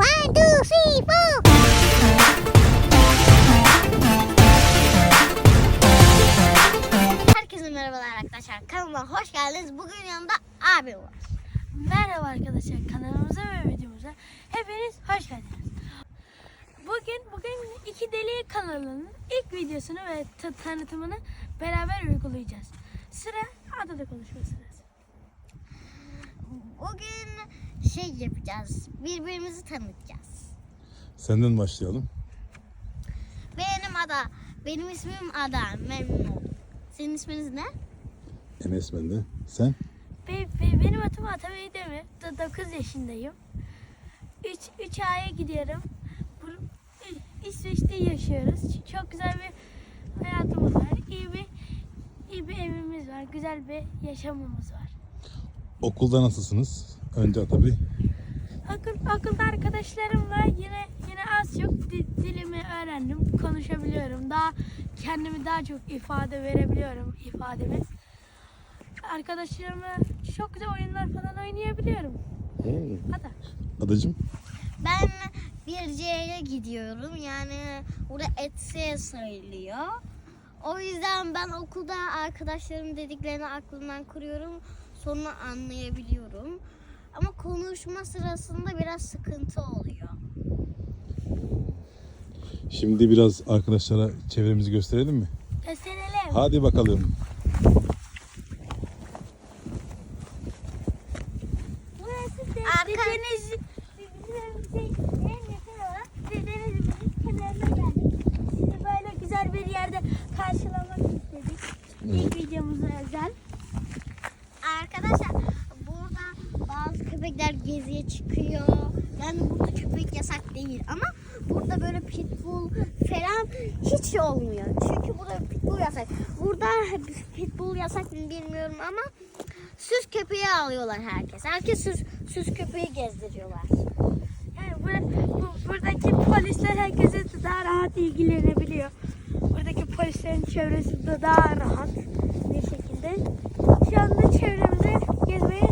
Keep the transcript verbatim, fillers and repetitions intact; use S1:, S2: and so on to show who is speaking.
S1: One, two, three, four. Herkese merhabalar arkadaşlar. Kanalıma hoş geldiniz. Bugün yanımda abim var.
S2: Merhaba arkadaşlar, kanalımıza ve videomuza hepiniz hoş geldiniz. Bugün bugün iki Deli kanalının ilk videosunu ve t- tanıtımını beraber uygulayacağız. Sıra adada konuşma sırası.
S1: Bugün şey yapacağız. Birbirimizi tanıtacağız.
S3: Senden başlayalım.
S1: Benim Ada. Benim ismim Ada. Memnun oldum. Senin isminiz ne?
S3: Enes ben de. Sen?
S2: Be, be, benim adım Atabey Demir. dokuz yaşındayım. üç A'ya gidiyorum. Bu, İsveç'te yaşıyoruz. Çok güzel bir hayatımız var. İyi bir, iyi bir evimiz var. Güzel bir yaşamımız var.
S3: Okulda nasılsınız? Önce Atabey.
S2: Okul, okulda arkadaşlarım var. Yine yine az çok di- dilimi öğrendim. Konuşabiliyorum. Daha kendimi daha çok ifade verebiliyorum ifademi. Arkadaşlarımla çok güzel oyunlar falan oynayabiliyorum. Hadi.
S3: Adacığım?
S1: Ben bir C'ye gidiyorum. Yani burada etse sayılıyor. O yüzden ben okulda arkadaşlarım dediklerini aklımdan kuruyorum. Sonra anlayabiliyorum. Ama konuşma sırasında biraz sıkıntı oluyor.
S3: Şimdi biraz arkadaşlara çevremizi gösterelim mi?
S2: Gösterelim.
S3: Hadi bakalım.
S2: Burası de,
S1: Arka-
S2: deniz, bizim en yakın olan denizimizin kenarına geldik. Sizi böyle güzel bir yerde karşılamak istedik. İlk videomuza özel.
S1: Arkadaşlar burada bazı köpekler geziye çıkıyor. Yani burada köpek yasak değil ama burada böyle pitbull falan hiç olmuyor. Çünkü burada pitbull yasak. Burada pitbull yasak mı bilmiyorum ama süs köpeği alıyorlar herkes. Herkes süs, süs köpeği gezdiriyorlar.
S2: Yani bur- bu, buradaki polisler herkese daha rahat ilgilenebiliyor. Buradaki polislerin çevresi de daha rahat bir şekilde. Şu anda çevremizde gezmeye